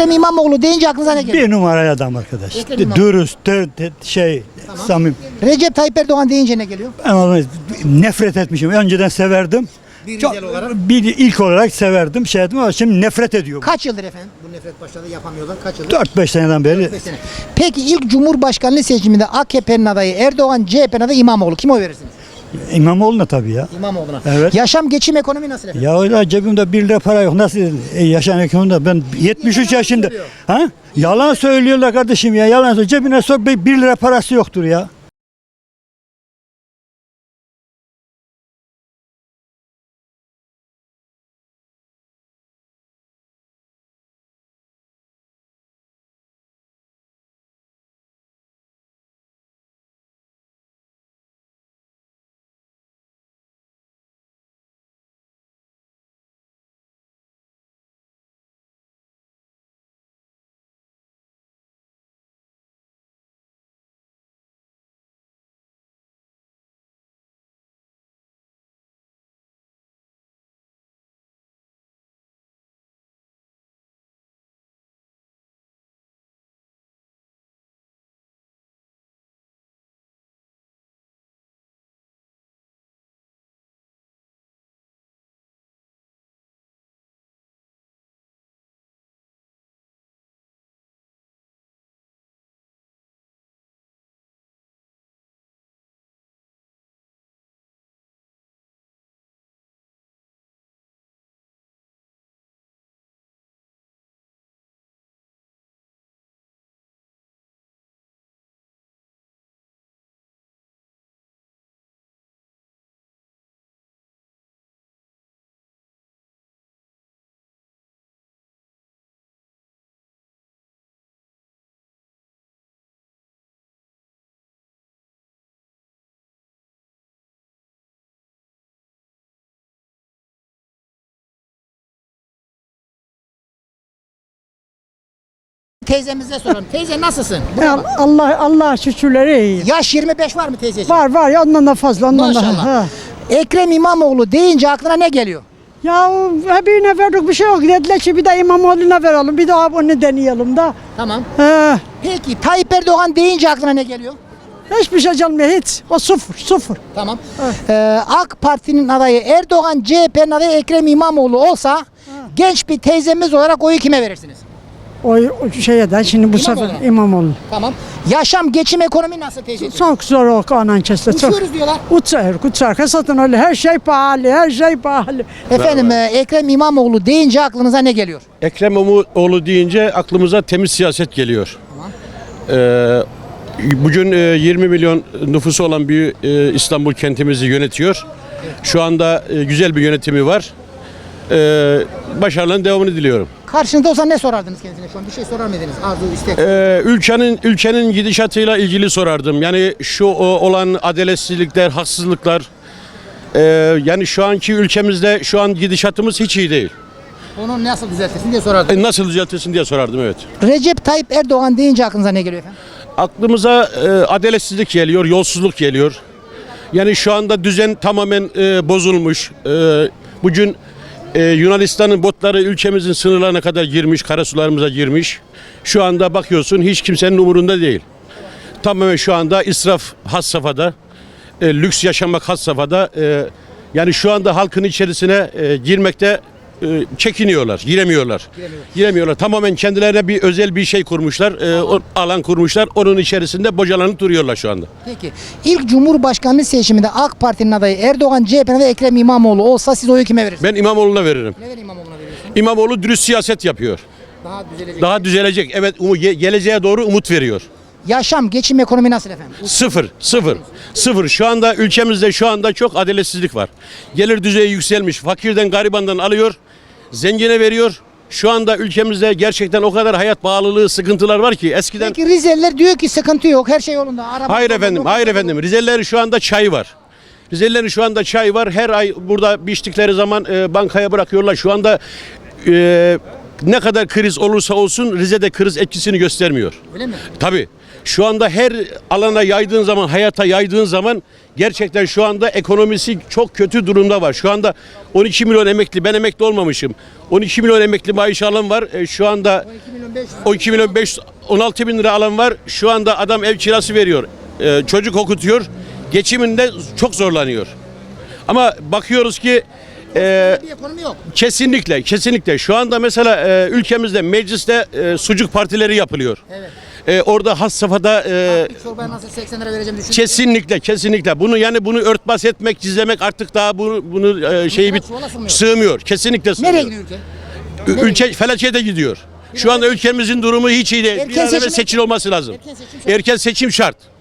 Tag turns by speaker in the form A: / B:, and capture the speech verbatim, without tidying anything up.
A: Ekrem İmamoğlu deyince aklınıza ne geliyor?
B: Bir numaralı adam arkadaş.
A: Ekrem İmamoğlu.
B: Dürüst, dö- dö- şey, samim.
A: Recep Tayyip Erdoğan deyince ne geliyor?
B: Ama nefret etmişim. Önceden severdim.
A: Bir
B: Çok-
A: Rizeli olarak.
B: bir ilk olarak severdim, şey ettim ama şimdi nefret ediyorum.
A: Kaç yıldır efendim? Bu nefret başladı yapamıyorlar. Kaç yıldır?
B: dört beş seneden beri.
A: beş sene. Peki ilk Cumhurbaşkanlığı seçiminde A K P'nin adayı Erdoğan, C H P'nin adayı İmamoğlu. Kime oy verirsiniz?
B: İmamoğlu'na tabii ya.
A: İmamoğlu'na.
B: Evet.
A: Yaşam, geçim, ekonomi nasıl efendim?
B: Ya öyle cebimde bir lira para yok. Nasıl e, yaşayan ekonomide ben yetmiş üç
A: yalan
B: yaşında.
A: söylüyor.
B: Ha? Yalan söylüyorlar kardeşim ya. Yalan söylüyor. Cebine sor bir bir lira parası yoktur ya.
A: Teyzemize soralım. Teyze nasılsın? Buraya bak.
C: Allah Allah şükürleri iyi.
A: Yaş yirmi beş var mı teyzeciğim?
C: Var var ya ondan da fazla ondan da.
A: Maşallah.
C: Ha.
A: Ekrem İmamoğlu deyince aklına ne geliyor?
C: Ya birine verdik bir şey yok. Dediler ki bir de İmamoğlu'na verelim. Bir daha onu deneyelim da.
A: Tamam.
C: He.
A: Peki Tayyip Erdoğan deyince aklına ne geliyor?
C: Hiçbir şey gelmiyor hiç. O sıfır sıfır.
A: Tamam. Ee, AK Parti'nin adayı Erdoğan, C H P'nin adayı Ekrem İmamoğlu olsa genç bir teyzemiz olarak oyu kime verirsiniz?
C: O, o şeye de şimdi bu
A: İmamoğlu'na.
C: sefer İmamoğlu.
A: Tamam. Yaşam, geçim, ekonomi nasıl teyzeciğim?
C: Çok zor o anan kesle. Çok.
A: Uçuyoruz diyorlar.
C: Uçar, uçar. Satın öyle her şey pahalı, her şey pahalı.
A: Efendim e, Ekrem İmamoğlu deyince aklınıza ne geliyor?
D: Ekrem İmamoğlu deyince aklımıza temiz siyaset geliyor. Ee, bugün e, yirmi milyon nüfusu olan bir e, İstanbul kentimizi yönetiyor. Şu anda e, güzel bir yönetimi var. Ee, başarıların devamını diliyorum.
A: Karşınızda olsa ne sorardınız kendisine şu an? Bir şey sorar mıydınız? Arzu, istek.
D: Ee, ülkenin ülkenin gidişatıyla ilgili sorardım. Yani şu o, olan adaletsizlikler, haksızlıklar. e, yani şu anki ülkemizde şu an gidişatımız hiç iyi değil.
A: Onu nasıl düzeltirsin diye sorardım.
D: E, nasıl düzeltilsin diye sorardım, evet.
A: Recep Tayyip Erdoğan deyince aklınıza ne geliyor efendim?
D: Aklımıza e, adaletsizlik geliyor, yolsuzluk geliyor. Yani şu anda düzen tamamen e, bozulmuş. E, bugün e, Yunanistan'ın botları ülkemizin sınırlarına kadar girmiş, karasularımıza girmiş. Şu anda bakıyorsun hiç kimsenin umurunda değil. Tamamen şu anda israf has safhada, e, lüks yaşamak has safhada. E, yani şu anda halkın içerisine e, girmekte e, çekiniyorlar, giremiyorlar. Giremiyorlar. Tamamen kendilerine bir özel bir şey kurmuşlar, e, o, alan kurmuşlar. Onun içerisinde bocalanıp duruyorlar şu anda.
A: Peki ilk Cumhurbaşkanlığı seçiminde AK Parti'nin adayı Erdoğan, C H P'nin adayı Ekrem İmamoğlu olsa siz oyu kime verirsiniz?
D: Ben İmamoğlu'na veririm.
A: Neden İmamoğlu'na veriyorsun?
D: İmamoğlu dürüst siyaset yapıyor.
A: Daha düzelecek.
D: Daha düzelecek. Evet, umu, ge- geleceğe doğru umut veriyor.
A: Yaşam, geçim, ekonomi nasıl efendim?
D: Sıfır, sıfır, sıfır. Şu anda ülkemizde şu anda çok adaletsizlik var. Gelir düzeyi yükselmiş. Fakirden, garibandan alıyor, zengine veriyor. Şu anda ülkemizde gerçekten o kadar hayat pahalılığı, sıkıntılar var ki eskiden...
A: Peki Rizeliler diyor ki sıkıntı yok, her şey yolunda. Araba,
D: Hayır
A: yolunda,
D: efendim,
A: yok,
D: hayır
A: yok.
D: efendim. Rizelilerin şu anda çay var. Rizelilerin şu anda çay var. Her ay burada biçtikleri zaman e, bankaya bırakıyorlar. Şu anda e, ne kadar kriz olursa olsun Rize'de kriz etkisini göstermiyor.
A: Öyle mi?
D: Tabii. Şu anda her alana yaydığın zaman, hayata yaydığın zaman gerçekten şu anda ekonomisi çok kötü durumda var. Şu anda on iki milyon emekli, ben emekli olmamışım. on iki milyon emekli maaş alan var. E, şu anda on iki milyon beş yüz, on altı bin lira alan var. Şu anda adam ev kirası veriyor. E, çocuk okutuyor. Geçiminde çok zorlanıyor. Ama bakıyoruz ki e,
A: Bir ekonomi yok.
D: kesinlikle, kesinlikle. Şu anda mesela e, ülkemizde mecliste e, sucuk partileri yapılıyor.
A: Evet.
D: E, orada has safhada e,
A: Bir çorbaya nasıl seksen lira vereceğim düşünüyorum.
D: kesinlikle, kesinlikle. Bunu yani bunu örtbas etmek, gizlemek artık daha bunu bunu e, şeyi bit
A: Çuvala sığmıyor.
D: sığmıyor. Kesinlikle sığmıyor.
A: Nereye gidiyor ülke?
D: Ü- Ülke felakete gidiyor. Şu anda ülkemizin durumu hiç iyi değil.
A: Erken
D: Bir an evvel
A: seçime-
D: seçim olması lazım.
A: Erken seçim şart.
D: Erken seçim şart.